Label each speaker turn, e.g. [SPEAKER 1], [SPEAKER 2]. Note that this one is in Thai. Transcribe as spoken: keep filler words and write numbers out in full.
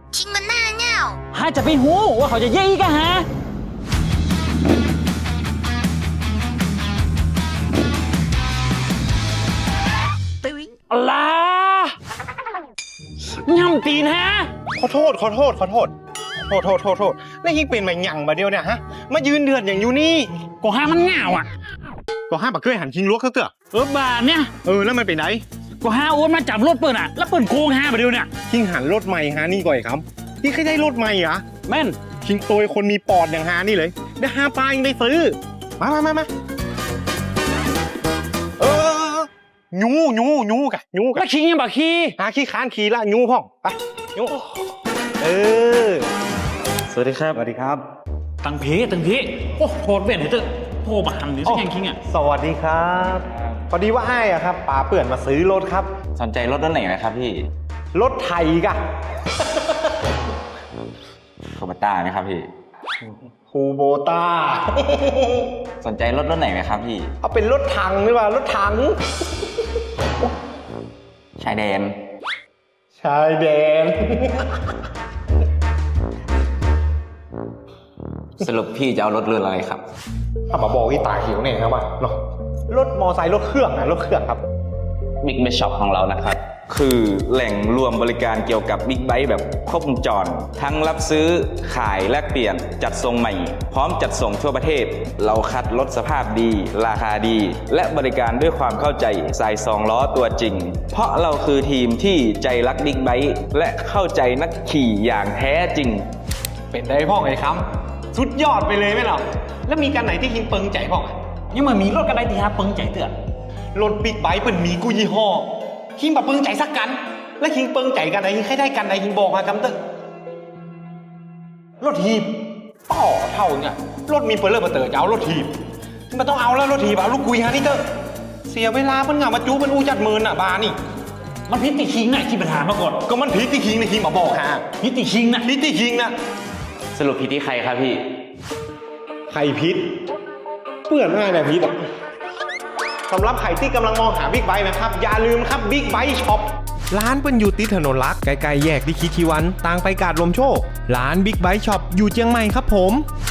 [SPEAKER 1] คิงมันหน้าเง่า
[SPEAKER 2] ฮะจะไปหูว่าเขาจะเย่อีกอะฮะตึ้งอะไรย่ำตีนฮะ
[SPEAKER 3] ขอโทษขอโทษขอโทษโทษโทษโทษโทษแล้วยิงเป็นมาหยั่งมาเดียวเนี่ยฮะมายืนเดือดอย่างอยู่นี่
[SPEAKER 2] ก็ห้ามันเหงาอ่ะ
[SPEAKER 3] ก็ห้าปักเคยหันคิงลวกเขาเถอะ
[SPEAKER 2] เออบาทเนี่ย
[SPEAKER 3] เออแล้วมันไปไหน
[SPEAKER 2] ก็ห้าอ้วนมาจับรถเปิดอ่ะแล้วเปิดโกงห้าไปเดียวเนี่ย
[SPEAKER 3] คิงหันรถใหม่ฮานี่ก่อยครับพี่เคยได้รถใหม่เหรอ
[SPEAKER 2] แม่น
[SPEAKER 3] คิงโตยคนมีปอดอย่างฮานี่เลยได้ห้าปลายังได้ซื้อมามามามาเออยูยูยูกะยูกะ
[SPEAKER 2] แล้วคิงยังบักขี้
[SPEAKER 3] หาขี้ค้านขี่ละยูพ่องไปยูเออ
[SPEAKER 4] สวัสดีครับ
[SPEAKER 3] สวัสดีครับ
[SPEAKER 2] ตังเพตังเพโอ้โทษเว้นให้เถอะโทรมาหันหรือสักอย่างคิงอ่ะ
[SPEAKER 3] สวัสดีครับพอดีว่าไอ้อะครับป๋าเปื่อนมาซื้อรถครับ
[SPEAKER 4] สนใจรถรุ่นไหนนะครับพี่
[SPEAKER 3] รถไทยกะ
[SPEAKER 4] โคบต้าไหมครับพี่
[SPEAKER 3] คูโบต้า
[SPEAKER 4] สนใจรถรุ่นไหนไหมครับพี่
[SPEAKER 3] เอาเป็นรถถังหรือเปล่ารถถัง
[SPEAKER 4] ชายแดน
[SPEAKER 3] ชายแดน
[SPEAKER 4] สรุปพี่จะเอารถรุ่นอะไรครับ
[SPEAKER 3] ถ้ามาบอกอีตาหิวเนี่ยครับว่าเนาะรถมอไซค์รถเครื่องนะรถเครื่องครับ
[SPEAKER 4] Big Bike Shop ของเรานะครับ คือแหล่งรวมบริการเกี่ยวกับบิ๊กไบค์แบบครบวงจร ทั้งรับซื้อขายแลกเปลี่ยนจัดส่งใหม่ พร้อมจัดส่งทั่วประเทศ เราคัดรถสภาพดี ราคาดี และบริการด้วยความเข้าใจสายสองล้อตัวจริง เพราะเราคือทีมที่ใจรักบิ๊กไบค์และเข้าใจนักขี่อย่างแท้จริง
[SPEAKER 3] เป็นได้พ่อไอ้คำสุดยอดไปเลยไหมเราแล้วมีการไหนที่คิงเปิงใจพ่อ
[SPEAKER 2] ยังมามีรถกันได้ที่ฮะเปิงใจเถอะ
[SPEAKER 3] รถบิ๊กไบค์เป็นมีกูยี่ห้อคิงแบบเปิงใจสักกัน แล้วคิงเปิงใจกันไหนคิงให้ได้กันไหนคิงบอกมาคำเตอรถทีบต่อเท่าเนี่ยรถมีเปิดเลอร์มาเตอร์จะเอารถทีบมันต้องเอาแล้วรถทีบเอาลูกกุยฮะนี่เตอร์เสียเวลาเพิ่นเหงามาจูเป็นอูจัดเมินอ่ะบานี่
[SPEAKER 2] มันพิษติคิงน่ะที่ปัญหามาก่อน
[SPEAKER 3] ก็มันผีที่คิงในคิงมาบอกฮะ
[SPEAKER 2] พิษติคิงน่ะ
[SPEAKER 3] ผีที่คิงนะ
[SPEAKER 4] สรุปพี่ที่ใครครับพี่
[SPEAKER 3] ไข่พิษเปื่อนง่ายแบบพิษอ่ะสำหรับใครที่กำลังมองหาบิ๊กไบค์นะครับ อย่าลืมครับบิ๊กไบค์ช็อปร้านเป็นอยู่ติดถนนลักใกล้ๆแยกดิคิทีวันต่างไปกาดลมโชคร้านบิ๊กไบค์ช็อปอยู่เชียงใหม่ครับผม